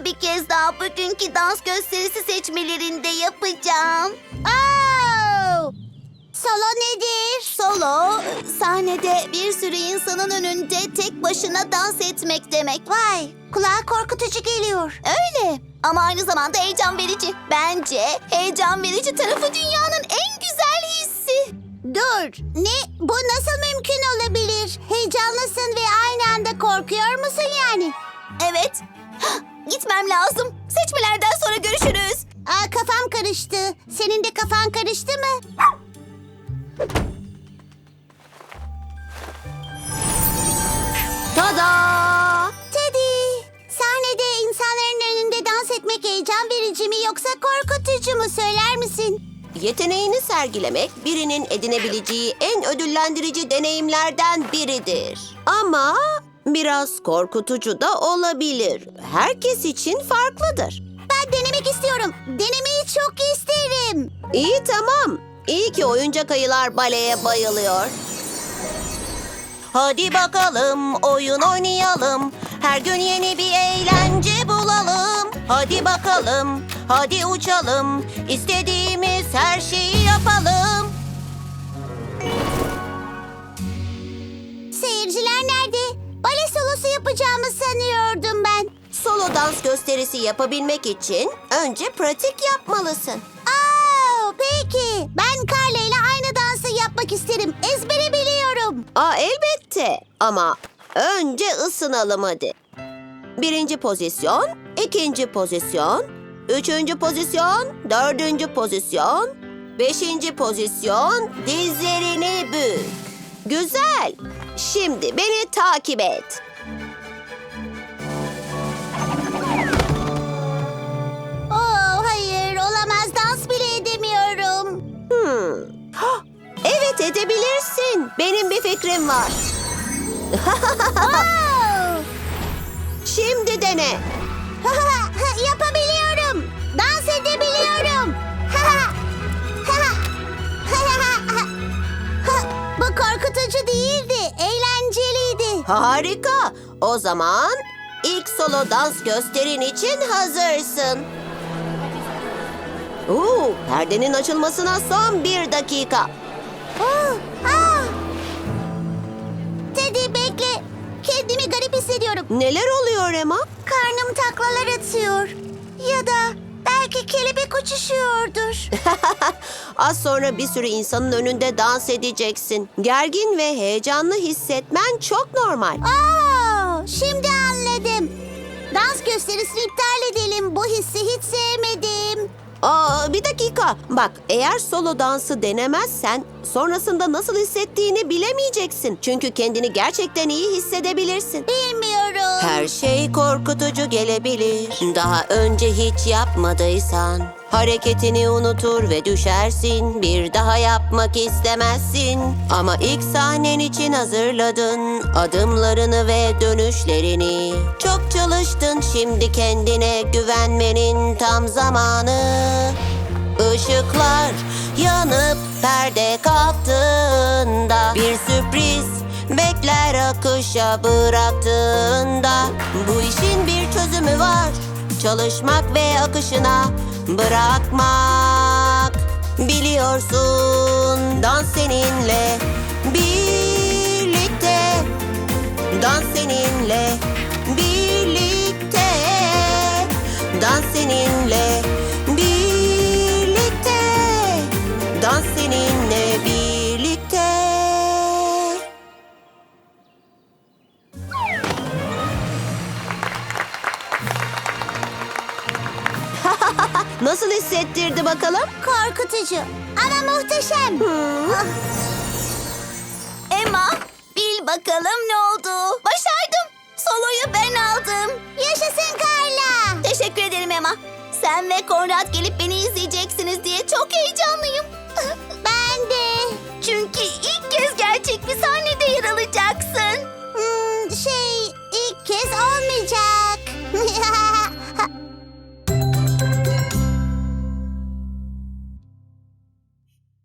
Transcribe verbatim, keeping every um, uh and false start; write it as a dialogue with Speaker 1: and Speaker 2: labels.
Speaker 1: bir kez daha bugünkü dans gösterisi seçmelerinde yapacağım.
Speaker 2: Oh! Solo nedir?
Speaker 1: Solo, sahnede bir sürü insanın önünde tek başına dans etmek demek.
Speaker 2: Vay, kulağa korkutucu geliyor.
Speaker 1: Öyle ama aynı zamanda heyecan verici. Bence heyecan verici tarafı dünyanın en güzel hissi.
Speaker 2: Dur, ne? Bu nasıl mümkün olabilir? Heyecanlısın ve aynı anda korkuyor musun yani?
Speaker 1: Evet, gitmem lazım. Seçmelerden sonra görüşürüz.
Speaker 2: Aa, kafam karıştı. Senin de kafan karıştı mı?
Speaker 1: Tada!
Speaker 2: Teddy, sahnede insanların önünde dans etmek heyecan verici mi yoksa korkutucu mu söyler misin?
Speaker 3: Yeteneğini sergilemek birinin edinebileceği en ödüllendirici deneyimlerden biridir. Ama biraz korkutucu da olabilir. Herkes için farklıdır.
Speaker 2: Ben denemek istiyorum. Denemeyi çok isterim.
Speaker 3: İyi tamam. İyi ki oyuncak ayılar baleye bayılıyor. Hadi bakalım oyun oynayalım. Her gün yeni bir eğlence bulalım. Hadi bakalım, hadi uçalım. İstediğimiz her şeyi yapalım.
Speaker 2: Seyirciler nerede? Bale solosu yapacağımı sanıyordum ben.
Speaker 3: Solo dans gösterisi yapabilmek için önce pratik yapmalısın.
Speaker 2: Aa, peki. Ben Carla ile aynı dansı yapmak isterim. Ezbere biliyorum.
Speaker 3: Aa elbette ama önce ısınalım hadi. Birinci pozisyon, ikinci pozisyon, üçüncü pozisyon, dördüncü pozisyon, beşinci pozisyon, dizlerini bük. Güzel. Şimdi beni takip et.
Speaker 2: Oo, hayır olamaz. Dans bile edemiyorum.
Speaker 3: Hmm. Hah, evet edebilirsin. Benim bir fikrim var.
Speaker 2: Oo!
Speaker 3: Şimdi dene.
Speaker 2: Yapabiliyorum. Dans edebiliyorum. Bu korkutucu değildi. Eğlenceliydi.
Speaker 3: Harika. O zaman ilk solo dans gösterin için hazırsın. Oo, perdenin açılmasına son bir dakika.
Speaker 2: Oh, ah! Teddy bekle. Kendimi garip hissediyorum.
Speaker 3: Neler oluyor Emma?
Speaker 2: Karnım taklalar atıyor. Ya da belki kelebek uçuşuyordur.
Speaker 3: Az sonra bir sürü insanın önünde dans edeceksin. Gergin ve heyecanlı hissetmen çok normal.
Speaker 2: Aa, şimdi anladım. Dans gösterisini iptal edelim. Bu hissi hiç sevmedim.
Speaker 3: Aa, bir dakika. Bak, eğer solo dansı denemezsen sonrasında nasıl hissettiğini bilemeyeceksin. Çünkü kendini gerçekten iyi hissedebilirsin.
Speaker 2: Bilmiyorum.
Speaker 3: Her şey korkutucu gelebilir. Daha önce hiç yapmadıysan hareketini unutur ve düşersin. Bir daha yapmak istemezsin. Ama ilk sahnen için hazırladın adımlarını ve dönüşlerini. Çok çalıştın, şimdi kendine güvenmenin tam zamanı. Işıklar yanıp perde kalktığında bir sürpriz bekler akışa bıraktığında. Bu işin bir çözümü var. Çalışmak ve akışına bırakmak. Biliyorsun, dans seninle birlikte. Dans seninle birlikte. Dans seninle birlikte. Dans seninle birlikte. Nasıl hissettirdi bakalım?
Speaker 2: Korkutucu ama muhteşem. Ah,
Speaker 1: Emma, bil bakalım ne oldu? Başardım. Soloyu ben aldım.
Speaker 2: yaşasın Carla.
Speaker 1: Teşekkür ederim Emma. Sen ve Konrad gelip beni izleyeceksiniz diye çok heyecanlıyım.
Speaker 2: Ben de.
Speaker 1: Çünkü ilk kez gerçek bir sahnede yer alacaksın.
Speaker 2: Hmm, şey ilk kez olmayacak.